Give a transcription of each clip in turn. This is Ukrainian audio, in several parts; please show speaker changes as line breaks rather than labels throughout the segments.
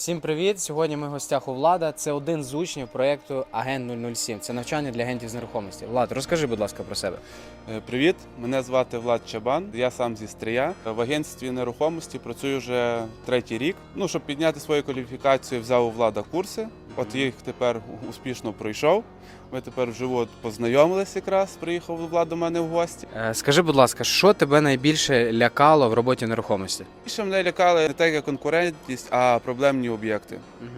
Всім привіт! Сьогодні ми в гостях у Влада. Це один з учнів проєкту Агент 007. Це навчання для агентів з нерухомості. Влад, розкажи, будь ласка, про себе.
Привіт, мене звати Влад Чабан, я сам зі Стрия. В агентстві нерухомості працюю вже третій рік. Щоб підняти свою кваліфікацію, взяв у Влада курси. От їх тепер успішно пройшов. Ми тепер вживу познайомилися якраз, приїхав Влад до мене в гості.
Скажи, будь ласка, що тебе найбільше лякало в роботі нерухомості?
Більше мене лякали не так, як конкурентність, а проблемні об'єкти.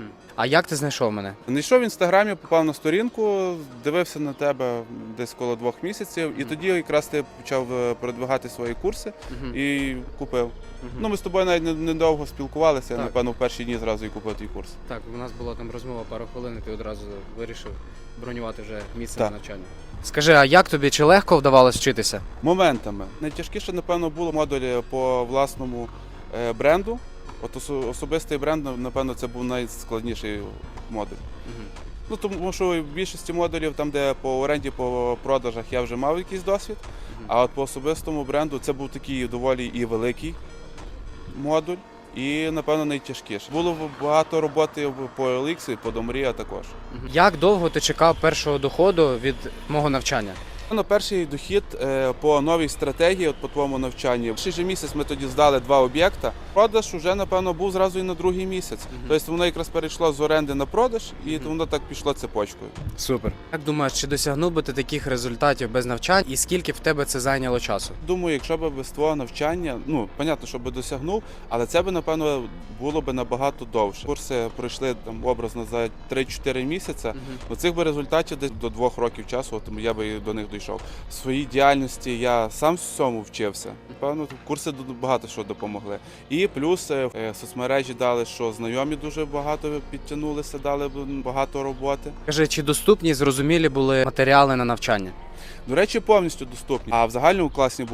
А як ти знайшов мене?
Знайшов в інстаграмі, попав на сторінку, дивився на тебе десь коло 2 місяців, і тоді якраз ти почав продвигати свої курси і купив. Ми з тобою навіть недовго спілкувалися, я, напевно, в перші дні зразу і купив твій курс.
Так, у нас була там розмова пару хвилин, і ти одразу вирішив бронювати вже місце на навчання. Скажи, а як тобі, чи легко вдавалось вчитися?
Моментами. Найтяжкіше, напевно, було модулі по власному бренду. От особистий бренд, напевно, це був найскладніший модуль. Тому що в більшості модулів, там, де по оренді, по продажах, я вже мав якийсь досвід, а от по особистому бренду це був такий доволі і великий модуль, і, напевно, найтяжкіше. Було багато роботи по OLX і по Домрія також.
Як довго ти чекав першого доходу від мого навчання?
Перший дохід по новій стратегії, по твоєму навчанні. Перший же місяць ми тоді здали 2 об'єкта. Продаж вже, напевно, був зразу і на другий місяць. Тобто воно якраз перейшло з оренди на продаж, і воно так пішло цепочкою.
Супер. Як думаєш, чи досягнув би ти таких результатів без навчань, і скільки в тебе це зайняло часу?
Думаю, якщо б без твого навчання, понятно, що би досягнув, але це б, напевно, було б набагато довше. Курси пройшли там образно за 3-4 місяці. Цих би результатів десь до 2 років часу, тому я би до них дійшов. В своїй діяльності я сам всьому вчився. Напевно, курси багато що допомогли. І плюс соцмережі дали, що знайомі дуже багато підтягнулися, дали багато роботи.
Скажи, чи доступні, зрозумілі були матеріали на навчання?
До речі, повністю доступні. А в загальному класі